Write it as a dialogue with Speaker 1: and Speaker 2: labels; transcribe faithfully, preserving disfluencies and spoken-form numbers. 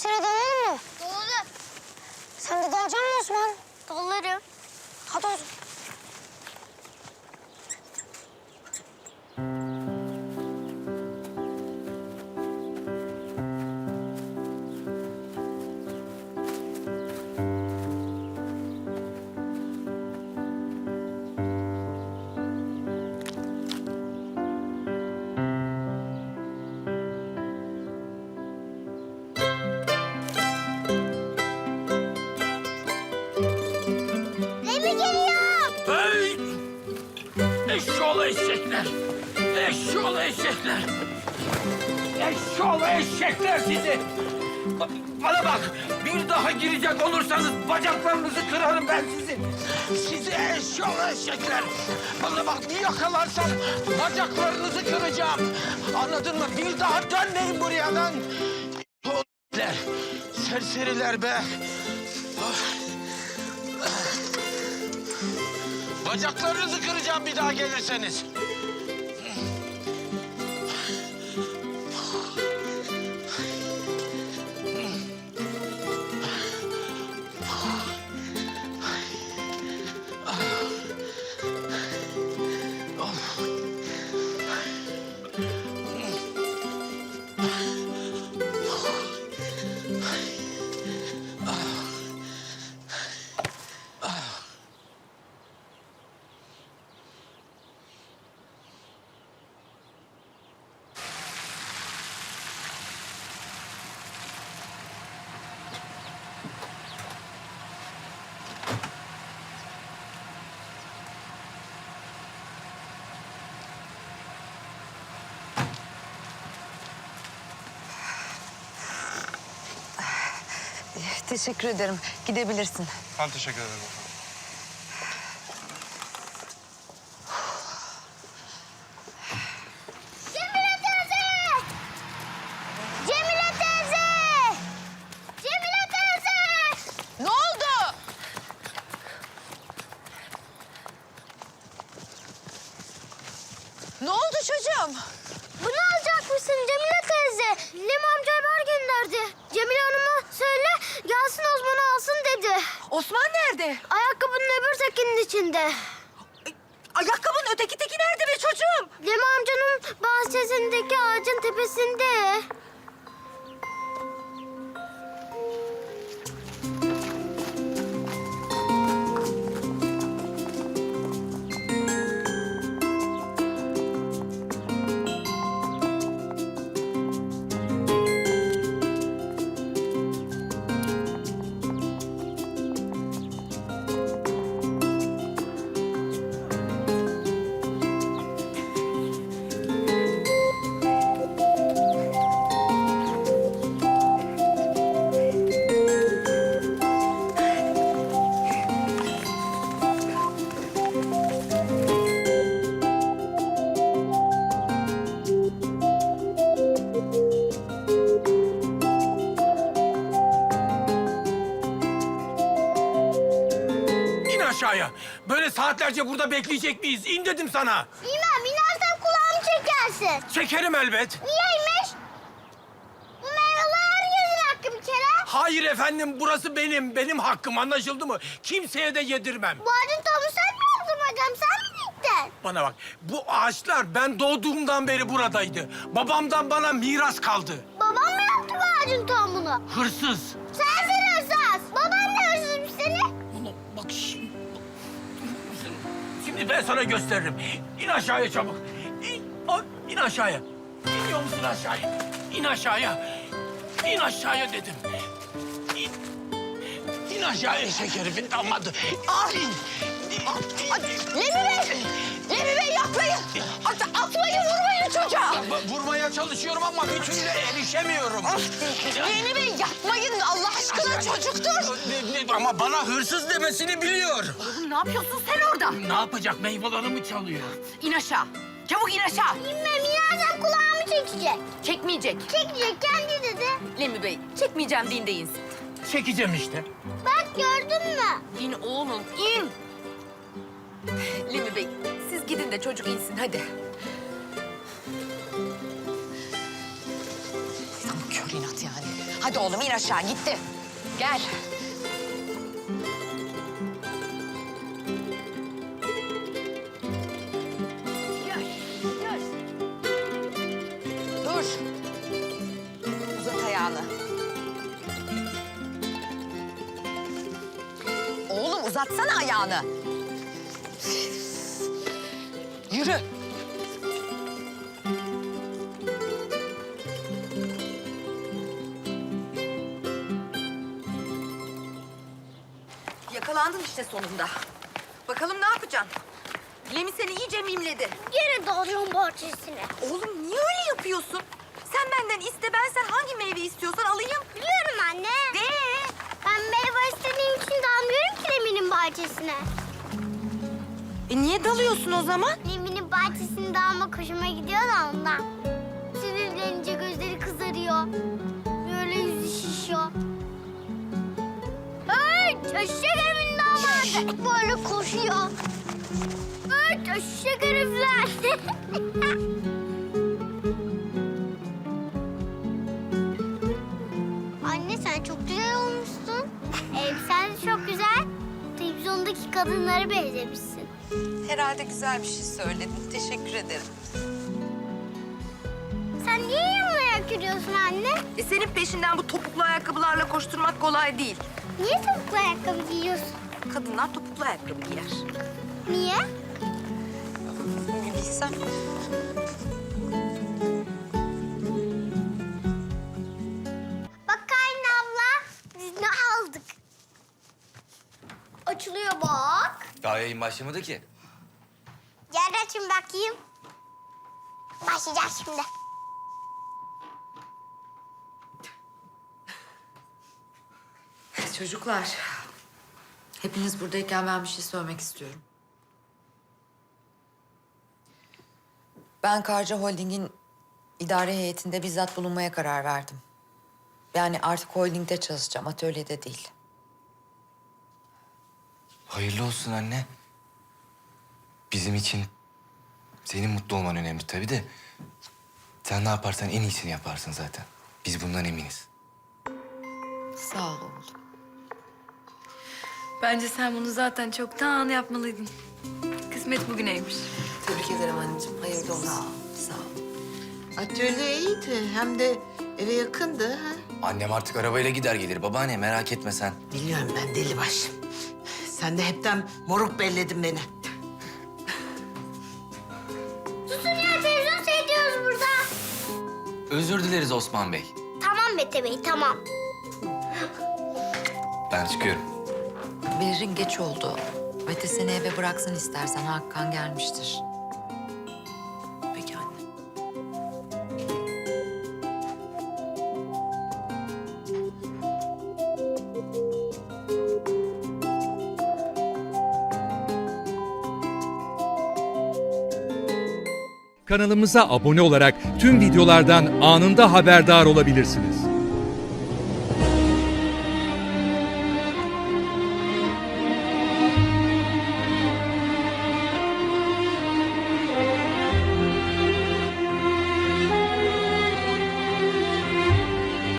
Speaker 1: Şemsiye'yle dalalım mı?
Speaker 2: Dalalım.
Speaker 1: Sen de dalacak mısın Osman?
Speaker 2: Dalarım.
Speaker 1: Hadi o zaman.
Speaker 2: Lemi geliyor.
Speaker 3: Hey! Eşşoğlu eşekler! Eşşoğlu eşekler! Eşşoğlu eşekler sizi! Ba- Bana bak! Bir daha girecek olursanız bacaklarınızı kırarım ben sizin! Sizi eşşoğlu eşekler! Bana bak bir yakalarsam bacaklarınızı kıracağım! Anladın mı? Bir daha dönmeyin buraya lan! Eşşoğlular! Serseriler be! Bacaklarınızı kıracağım bir daha gelirseniz.
Speaker 4: Teşekkür ederim. Gidebilirsin.
Speaker 5: Ben teşekkür ederim efendim.
Speaker 2: Cemile teyze! Cemile teyze! Cemile teyze!
Speaker 4: Ne oldu? Ne oldu çocuğum?
Speaker 2: Bunu alacakmışsın Cemile teyze. Lem amca haber gönderdi. Cemile Hanım'a söyle gelsin Osman'ı alsın dedi.
Speaker 4: Osman nerede?
Speaker 2: Ayakkabının öbür tekinin içinde.
Speaker 4: Ayakkabının öteki teki nerede be çocuğum?
Speaker 2: Lem amcanın bahçesindeki ağacın tepesinde.
Speaker 3: İn aşağıya! Böyle saatlerce burada bekleyecek miyiz? İn dedim sana!
Speaker 2: İmam inersen kulağımı çekersin.
Speaker 3: Çekerim elbet.
Speaker 2: Niyeymiş? Bu meyveler herkesin hakkı bir kere.
Speaker 3: Hayır efendim, burası benim. Benim hakkım, anlaşıldı mı? Kimseye de yedirmem.
Speaker 2: Bu ağacın tohumu sen mi yaptın hocam? Sen mi diktin?
Speaker 3: Bana bak, bu ağaçlar ben doğduğumdan beri buradaydı. Babamdan bana miras kaldı.
Speaker 2: Babam mı yaptı bu ağacın tohumunu?
Speaker 3: Hırsız.
Speaker 2: Sensin hırsız. Baban da hırsızmış seni.
Speaker 3: Ulan bak şimdi... Şimdi ben sana gösteririm. İn aşağıya çabuk. İn, a- in aşağıya. İniyor musun aşağıya? İn aşağıya. İn aşağıya dedim. İn. İn aşağıya şekerifin damadı.
Speaker 4: Ay!
Speaker 3: İn.
Speaker 4: Lemi Bey! Lemi Bey yapmayın! At, atmayın, vurmayın çocuğa!
Speaker 3: Va- Vurmaya çalışıyorum ama bir türlü erişemiyorum.
Speaker 4: Lemi Bey yapmayın Allah aşkına çocuktur!
Speaker 3: Ne- ne- Ama bana hırsız demesini biliyor.
Speaker 4: Oğlum ne yapıyorsun sen orada?
Speaker 3: Ne yapacak? Meyvelerimi çalıyor.
Speaker 4: İn aşağı. Çabuk in aşağı.
Speaker 2: İnmem inersen kulağımı çekecek.
Speaker 4: Çekmeyecek.
Speaker 2: Çekecek kendi dedi.
Speaker 4: Lemi Bey çekmeyeceğim deyin de insin.
Speaker 3: Çekeceğim işte.
Speaker 2: Bak gördün mü?
Speaker 4: İn oğlum in. Lemi Bey siz gidin de çocuk insin hadi. Tam kör inat yani. Hadi oğlum in aşağı gitti. Gel. Gel, gel. Dur. Uzat ayağını. Oğlum uzatsana ayağını. Yürü.
Speaker 5: Yakalandın işte sonunda. Bakalım ne yapacaksın? Lemi seni iyice mimledi.
Speaker 2: Gene dalacağım bahçesine.
Speaker 5: Oğlum niye öyle yapıyorsun? Sen benden iste, ben sen hangi meyve istiyorsan alayım.
Speaker 2: Biliyorum anne.
Speaker 5: De.
Speaker 2: Ben meyve istediğim için dalmıyorum ki Lemi'nin bahçesine.
Speaker 5: E niye dalıyorsun o zaman?
Speaker 2: Lemi'nin bahçesinde dalmak hoşuma gidiyor da ondan. Sinirlenince gözleri kızarıyor. Böyle yüzü şişiyor. Hey! Eşek Lemi'nin damadı. Böyle koşuyor. Hey! Eşek herifler. Anne sen çok güzel olmuşsun. Elbisen de çok güzel. Televizyondaki kadınlara benzemişsin.
Speaker 5: Herhalde güzel bir şey söyledin. Teşekkür ederim.
Speaker 2: Sen niye yanına yürüyorsun anne?
Speaker 5: E senin peşinden bu topuklu ayakkabılarla koşturmak kolay değil.
Speaker 2: Niye topuklu ayakkabı giyiyorsun?
Speaker 5: Kadınlar topuklu ayakkabı giyer.
Speaker 2: Niye?
Speaker 5: Bir bilsem.
Speaker 2: Bak Karin abla, biz ne aldık? Açılıyor bak.
Speaker 6: Daha yayın başlamadı ki.
Speaker 2: Gel açın bakayım. Başlayacak şimdi.
Speaker 7: Çocuklar, hepiniz buradayken ben bir şey söylemek istiyorum. Ben Karca Holding'in idare heyetinde bizzat bulunmaya karar verdim. Yani artık holdingde çalışacağım, atölyede değil.
Speaker 6: Hayırlı olsun anne. Bizim için senin mutlu olman önemli tabii de... sen ne yaparsan en iyisini yaparsın zaten. Biz bundan eminiz.
Speaker 7: Sağ ol oğlum.
Speaker 8: Bence sen bunu zaten çoktan yapmalıydın. Kısmet bugüneymiş.
Speaker 7: Tebrik ederim anneciğim, hayırlı olsun. Sağ ol, sağ ol.
Speaker 9: Atölye iyiydi. Hem de eve yakındı. Ha?
Speaker 6: Annem artık arabayla gider gelir babaanne, merak etme sen.
Speaker 9: Biliyorum ben deli baş. Sen de hepten moruk belledin beni.
Speaker 2: Susun ya, televizyon seyrediyoruz burada.
Speaker 6: Özür dileriz Osman Bey.
Speaker 2: Tamam Mete Bey, tamam.
Speaker 6: Ben çıkıyorum.
Speaker 7: Berrin geç oldu. Mete seni eve bıraksın istersen, Hakan gelmiştir. Peki anne.
Speaker 10: Kanalımıza abone olarak tüm videolardan anında haberdar olabilirsiniz.